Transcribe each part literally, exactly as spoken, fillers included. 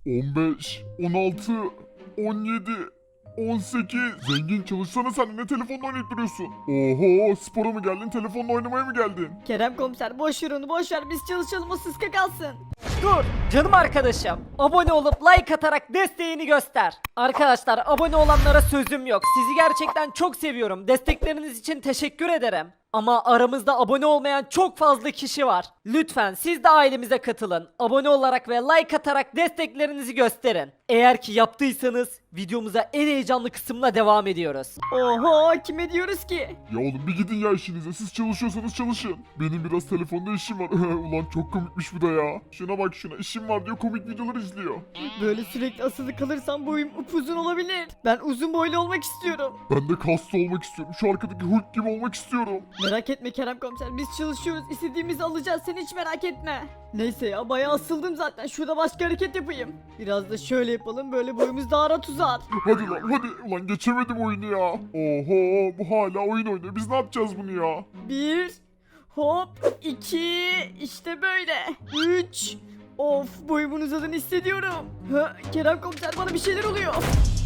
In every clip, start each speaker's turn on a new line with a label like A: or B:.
A: on beş, on altı, on yedi, on sekiz. Zengin çalışsana sen, ne telefonla oynayıp duruyorsun? Oho, spora mı geldin, telefonla oynamaya mı geldin?
B: Kerem komiser boş ver onu boş ver biz çalışalım o sıska kalsın.
C: Dur canım arkadaşım. Abone olup like atarak desteğini göster. Arkadaşlar abone olanlara sözüm yok. Sizi gerçekten çok seviyorum. Destekleriniz için teşekkür ederim. Ama aramızda abone olmayan çok fazla kişi var. Lütfen siz de ailemize katılın. Abone olarak ve like atarak desteklerinizi gösterin. Eğer ki yaptıysanız videomuza en heyecanlı kısımla devam ediyoruz.
B: Oho kime diyoruz ki?
A: Ya oğlum bir gidin ya işinize, siz çalışıyorsanız çalışın. Benim biraz telefonda işim var. Ulan çok komikmiş bu da ya. Şuna bak şuna, işim var diyor, komik videolar izliyor.
B: Böyle sürekli asılı kalırsam boyum upuzun olabilir. Ben uzun boylu olmak istiyorum.
A: Ben de kaslı olmak istiyorum. Şu arkadaki Hulk gibi olmak istiyorum.
B: Merak etme Kerem komiser biz çalışıyoruz istediğimizi alacağız sen hiç merak etme. Neyse ya bayağı asıldım zaten şurada başka hareket yapayım. Biraz da şöyle yapalım böyle boyumuz daha rahat uzar.
A: Hadi lan hadi. Ulan geçemedim oyunu ya. Oho, bu hala oyun oynuyor. Biz ne yapacağız bunu ya?
B: Bir hop iki işte böyle üç. Of boyumun uzadığını hissediyorum. Ha, Kerem komiser bana bir şeyler oluyor.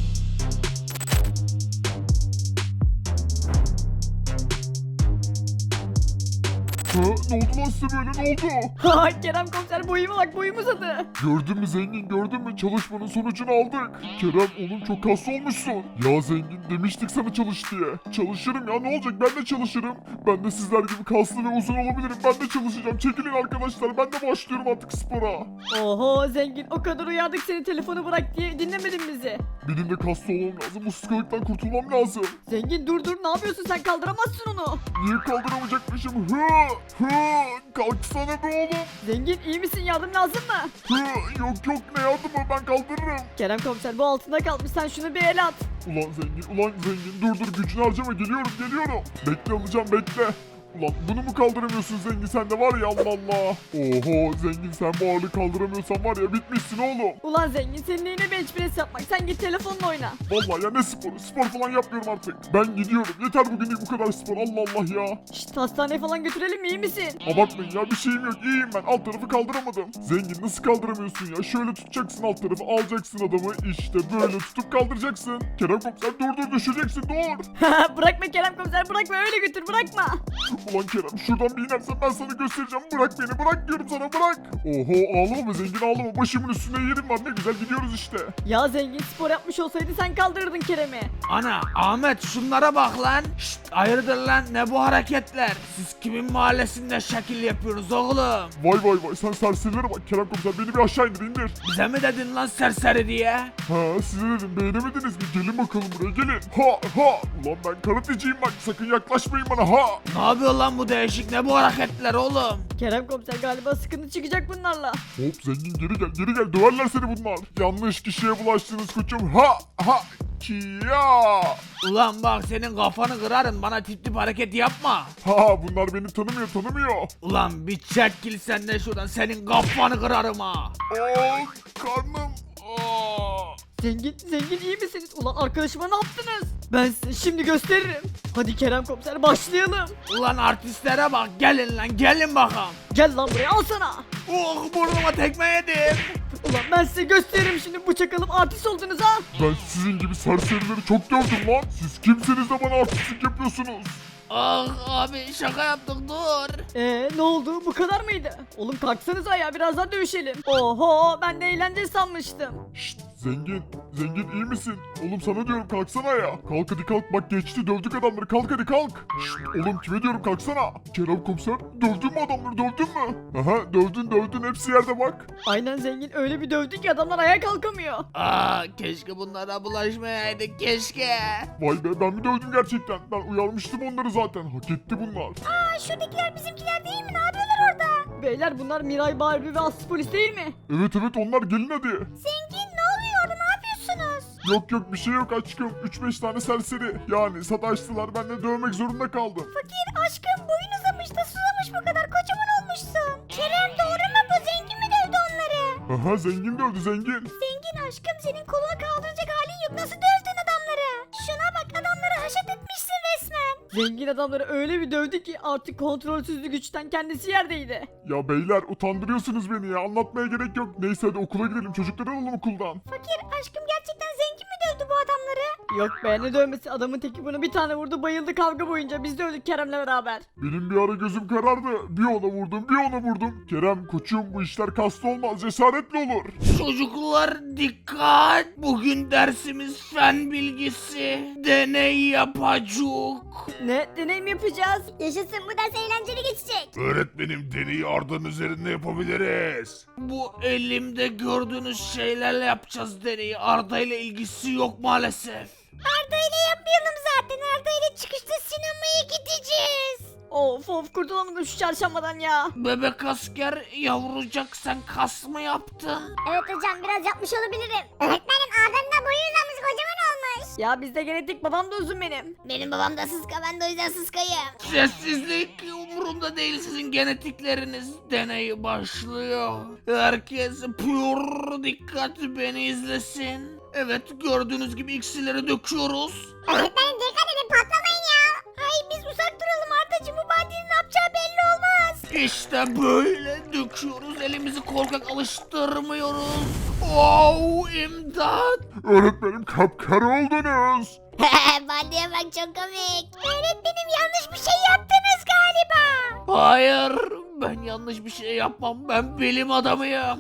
A: Ha, ne oldu lan size böyle, ne oldu?
B: Ha, Kerem komiser boyuma bak boyum uzadı.
A: Gördün mü zengin, gördün mü? Çalışmanın sonucunu aldık. Kerem oğlum çok kaslı olmuşsun. Ya zengin demiştik sana çalış diye. Çalışırım ya, ne olacak, ben de çalışırım. Ben de sizler gibi kaslı ve uzun olabilirim. Ben de çalışacağım. Çekilin arkadaşlar, ben de başlıyorum artık spora.
B: Oho zengin o kadar uyardık seni telefonu bırak diye dinlemedin bizi.
A: Benim de kaslı olmam lazım. Bu sıkılıktan kurtulmam lazım.
B: Zengin dur dur ne yapıyorsun sen kaldıramazsın onu.
A: Niye kaldıramayacakmışım? Hı, hı, kalksana be oğlum.
B: Zengin iyi misin yardım lazım mı?
A: Hı, yok yok, ne yardımı, ben kaldırırım.
B: Kerem komiser bu altında kalmış sen şunu bir el at.
A: Ulan zengin, ulan zengin, dur dur, gücünü harcama, geliyorum geliyorum. Bekle alacağım, bekle. Ulan bunu mu kaldıramıyorsun zengin, sen de var ya, Allah Allah. Oho zengin, sen bu ağırlığı kaldıramıyorsan var ya, bitmişsin oğlum.
B: Ulan zengin senin neyine bench press yapmak sen git telefonla oyna.
A: Vallahi ya, ne sporu, spor falan yapmıyorum artık. Ben gidiyorum, yeter bugünlük bu kadar spor, Allah Allah ya.
B: Şşt hastaneye falan götürelim mi iyi misin?
A: Abartmayın ya, bir şeyim yok, iyiyim ben, alt tarafı kaldıramadım. Zengin nasıl kaldıramıyorsun ya, şöyle tutacaksın alt tarafı, alacaksın adamı, işte böyle tutup kaldıracaksın. Kerem komiser dur dur, düşeceksin, dur.
B: Bırakma Kerem komiser bırakma öyle götür bırakma.
A: Ulan Kerem şuradan bir inersen ben sana göstereceğim, bırak beni, bırak diyorum sana, bırak. Oho, ağlama be zengin, ağlama, başımın üstünde yerim var, ne güzel gidiyoruz işte.
B: Ya zengin spor yapmış olsaydı sen kaldırırdın Kerem'i.
D: Ana Ahmet şunlara bak lan. Şşt, hayırdır lan ne bu hareketler? Siz kimin mahallesinde şekil yapıyorsunuz oğlum?
A: Vay vay vay, sen serserilere bak, Kerem komiser beni bir aşağı indir, indir.
D: Bize mi dedin lan serseri diye?
A: Ha, size dedim, beğenemediniz mi? Gelin bakalım buraya, gelin. Ha ha, ulan ben karateciyim bak, sakın yaklaşmayın bana, ha.
D: Ne yapıyor lan bu değişik ne bu hareketler oğlum?
B: Kerem komiser galiba sıkıntı çıkacak bunlarla.
A: Hop zengin, geri gel, geri gel, döverler seni bunlar. Yanlış kişiye bulaştınız koçum, ha ha. Kia.
D: Ulan bak senin kafanı kırarım bana tip tip hareket yapma.
A: Ha, bunlar beni tanımıyor, tanımıyor.
D: Ulan bir çekil sen de şuradan senin kafanı kırarım ha.
A: Aa, karnım. Aa.
B: Zengin zengin iyi misiniz? Ulan arkadaşıma ne yaptınız? Ben size şimdi gösteririm. Hadi Kerem komiser başlayalım.
D: Ulan artistlere bak gelin lan gelin bakalım.
B: Gel lan buraya al sana.
D: Oh burnuma tekme yedim.
B: Ulan ben size gösteririm şimdi bu çakalım artist oldunuz ha.
A: Ben sizin gibi serserileri çok gördüm lan. Siz kimsiniz de bana artistlik yapıyorsunuz?
D: Ah abi şaka yaptık dur.
B: Eee ne oldu bu kadar mıydı? Oğlum kalksanıza ya biraz daha dövüşelim. Oho ben de eğlence sanmıştım.
A: Şşt zengin, zengin iyi misin? Oğlum sana diyorum, kalksana ya. Kalk hadi kalk, bak geçti, dövdük adamları, kalk hadi kalk. Şşt oğlum, kime diyorum, kalksana. Kerem komiser, dövdün mü adamları, dövdün mü? Aha, dövdün dövdün, hepsi yerde bak.
B: Aynen zengin öyle bir dövdü ki adamlar ayağa kalkamıyor.
D: Aa keşke bunlara bulaşmayaydık keşke.
A: Vay be, ben mi dövdüm gerçekten? Ben uyarmıştım onları zaten, hak etti bunlar.
B: Aa şuradakiler bizimkiler değil mi? Ne yapıyorlar orada? Beyler bunlar Miray, Barbie ve Aslı polis değil mi?
A: Evet evet, onlar, gelin hadi.
B: Zengin ne oluyor orada ne yapıyorsunuz?
A: Yok yok, bir şey yok aşkım, üç beş tane serseri. Yani sataştılar, ben de dövmek zorunda kaldım.
B: Fakir aşkım boyun uzamış da susamış bu kadar kocaman olmuşsun. Kerem doğru mu bu zengin mi dövdü onları?
A: Aha, zengin dövdü zengin.
B: Zengin aşkım senin koluna kaldıracak halin yok nasıl dövdün adamları? Şuna bak adamları haşat etmişsin resmen. Zengin adamları öyle bir dövdü ki artık kontrolsüzlük güçten kendisi yerdeydi.
A: Ya beyler utandırıyorsunuz beni ya. Anlatmaya gerek yok. Neyse hadi okula gidelim. Çocukları alalım okuldan.
E: Fakir aşkım gerçekten zengin mi dövdü bu adamları?
B: Yok be ne dövmesi, adamın teki bunu bir tane vurdu bayıldı kavga boyunca, biz dövdük Kerem'le beraber.
A: Benim bir ara gözüm karardı. Bir ona vurdum, bir ona vurdum. Kerem koçum bu işler kaslı olmaz. Cesaretli olur.
D: Çocuklar dikkat. Bugün dersimiz fen bilgisi. Deney yapacak.
B: Ne deney mi yapacağız?
E: Yaşasın, bu ders eğlenceli geçecek.
A: Öğretmenim deneyi Arda'nın üzerinde yapabiliriz.
D: Bu elimde gördüğünüz şeylerle yapacağız deneyi. Arda ile ilgisi yok maalesef.
E: Arda ile yapmayalım zaten. Arda ile çıkışta sinemaya gideceğiz.
B: Of of kurtulamadım şu çarşambadan ya.
D: Bebek asker yavrucak sen kas mı yaptın?
E: Evet hocam, biraz yapmış olabilirim. Öğretmenim Arda'nın da boyu uzamış, kocaman olmuş.
B: Ya bizde genetik, babam da uzun benim.
E: Benim babam da sıska, ben de o yüzden sıskayım.
D: Sessizlik umurumda değil sizin genetikleriniz. Deney başlıyor. Herkes pür dikkat beni izlesin. Evet gördüğünüz gibi iksirleri döküyoruz.
E: Öğretmenim dikkat edin, patlamayın ya. Ay biz uzak duralım Arda'cığım, bu badinin ne yapacağı belli olmaz.
D: İşte böyle döküyoruz. Elimizi korkak alıştırmıyoruz. Oh imdat.
A: Öğretmenim kapkara oldunuz.
E: Baldiye bak, çok komik. Öğretmenim yanlış bir şey yaptınız galiba.
D: Hayır ben yanlış bir şey yapmam. Ben bilim adamıyım.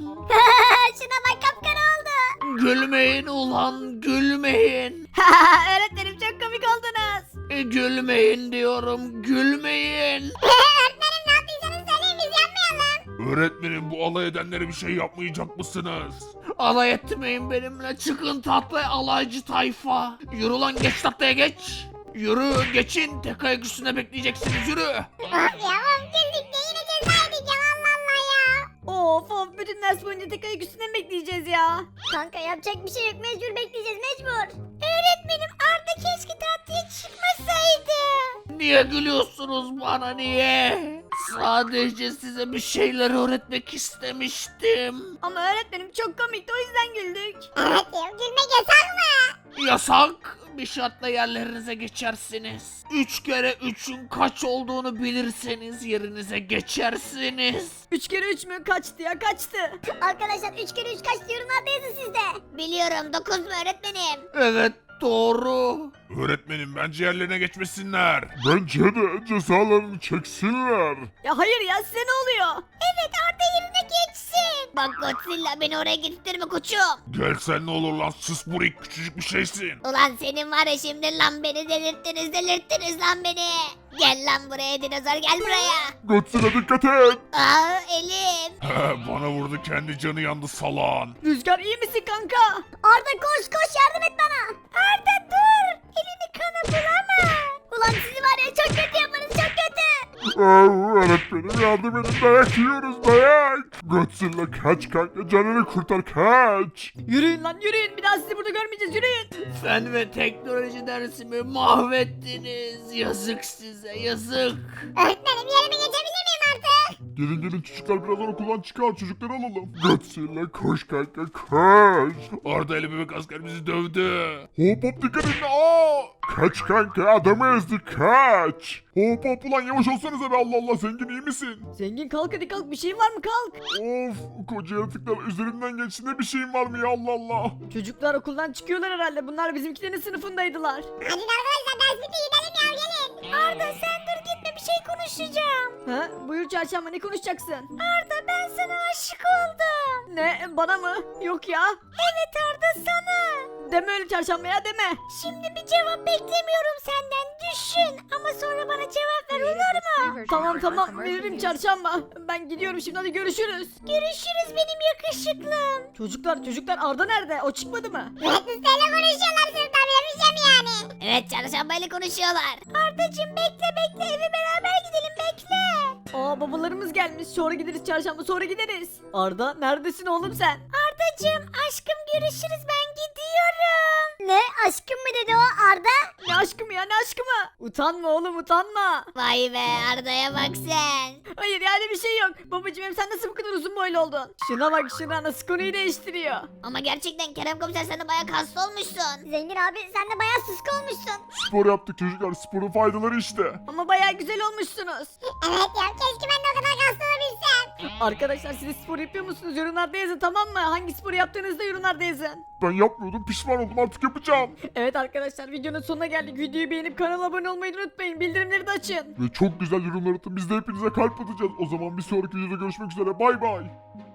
E: Şuna bak, kapkara oldu.
D: Gülmeyin ulan gülmeyin.
B: Öğretmenim çok komik oldunuz.
D: E, gülmeyin diyorum gülmeyin.
E: Öğretmenim ne yaptıysanız söyleyin, biz yapmayalım.
A: Öğretmenim bu alay edenlere bir şey yapmayacak mısınız?
D: Alay etmeyin benimle. Çıkın tahtaya alaycı tayfa. Yürü lan geç tahtaya geç. Yürü geçin. Tek ayak üstünde bekleyeceksiniz yürü.
E: Of ya, of güldük de yine ceza edeceğim, Allah Allah ya.
B: Of of bütün ders boyunca tek ayak üstüne mi bekleyeceğiz ya?
E: Kanka yapacak bir şey yok, mecbur bekleyeceğiz, mecbur. Öğretmenim Arda keşke tatlıya çıkmasaydı.
D: Niye gülüyorsunuz bana niye? Sadece size bir şeyler öğretmek istemiştim.
B: Ama öğretmenim çok komikti, o yüzden güldük.
E: Evet ya, gülmek yasak mı?
D: Yasak. Bir şartla yerlerinize geçersiniz. Üç kere üçün kaç olduğunu bilirseniz yerinize geçersiniz.
B: Üç kere üç mü? Kaçtı ya, kaçtı.
E: Arkadaşlar üç kere üç kaç yorumlarda yazın sizde. Biliyorum, dokuz mu öğretmenim?
D: Evet doğru.
A: Öğretmenim bence yerlerine geçmesinler. Bence de cezalarını çeksinler.
B: Ya hayır ya, size ne oluyor?
E: Evet, Arda yerine geçsin. Bak Godzilla, beni oraya getirtme koçum.
A: Gelsen ne olur lan sus burik küçücük bir şeysin.
E: Ulan senin var ya şimdi, lan beni delirttiniz delirttiniz lan beni. Gel lan buraya dinozor, gel buraya.
A: Godzilla dikkat et.
E: Aa elim.
A: Bana vurdu kendi canı yandı salan.
B: Rüzgar iyi misin kanka?
E: Arda koş koş, yardım et bana. Arda dur. Elini kana bulama. Ulan sizi var ya çok kötü yaparız, çok kötü.
A: Aa, öğretmenim yardım edin dayak yiyoruz dayak. Godzilla kaç kanka canını kurtar kaç.
B: Yürüyün lan yürüyün, bir daha sizi burada görmeyeceğiz, yürüyün.
D: Fen ve teknoloji dersimi mahvettiniz. Yazık size yazık.
E: Öğretmenim yerime geçebilir miyim artık?
A: Gelin gelin çocuklar birazdan okuldan çıkar çocukları alalım. Godzilla koş kanka koş. Arda ile bebek asker bizi dövdü. Hop hop dikkat edin aa. Kaç kanka adamı ezdi kaç. Hop hop ulan yavaş olsanıza be Allah Allah zengin iyi misin?
B: Zengin kalk hadi kalk, bir şeyin var mı, kalk.
A: Of koca yaratıklar üzerinden geçti ne bir şeyim var mı ya Allah Allah.
B: Çocuklar okuldan çıkıyorlar herhalde, bunlar bizimkilerin sınıfındaydılar.
E: Hadi arkadaşlar ders bitti, gidelim ya, gelin. Arda sen dur gitme, bir şey konuşacağım.
B: Ha buyur çarşamba, ne konuşacaksın?
E: Arda ben sana aşık oldum.
B: Ne, bana mı? Yok ya.
E: Evet Arda, sana.
B: Deme öyle çarşamba ya, deme.
E: Şimdi bir cevap beklemiyorum senden, düşün. Ama sonra bana cevap ver, olur mu?
B: Tamam tamam veririm çarşamba. Ben gidiyorum şimdi, hadi görüşürüz.
E: Görüşürüz benim yakışıklım.
B: Çocuklar çocuklar Arda nerede? O çıkmadı mı?
E: Mühendislerle konuşuyorlar sınıfta, bilemeyeceğim yani. Evet, çarşambayla konuşuyorlar. Ardacığım bekle bekle, eve beraber gidelim, bekle.
B: Aa babalarımız gelmiş. Sonra gideriz çarşamba, sonra gideriz. Arda neredesin oğlum sen?
E: Ardacığım aşkım görüşürüz, ben gidiyorum. Ne aşkım mı dedi o Arda?
B: Ne aşkı mı ya, ne aşkı mı? Utanma oğlum utanma.
E: Vay be Arda'ya bak sen.
B: Hayır yani bir şey yok. Babacım hem sen nasıl bu kadar uzun boylu oldun? Şuna bak şuna nasıl konuyu değiştiriyor.
E: Ama gerçekten Kerem komiser sen de bayağı kaslı olmuşsun. Zengin abi sen de bayağı sıska olmuşsun.
A: Spor yaptık çocuklar. Sporun faydaları işte.
B: Ama bayağı güzel olmuşsunuz.
E: Evet ya keşke ben de o kadar kaslı olabilsem.
B: Arkadaşlar siz spor yapıyor musunuz? Yorumlarda yazın tamam mı? Hangi sporu yaptığınızda yorumlarda yazın.
A: Ben yapmıyordum. Pişman oldum. Artık yapacağım.
B: Evet arkadaşlar videonun sonuna geldik. Videoyu beğenip kanala abone olmayı unutmayın. Bildirimleri de açın.
A: Ve çok güzel yorumlar atın. Biz de hepinize kalp atacağız. O zaman bir sonraki videoda görüşmek üzere. Bay bay.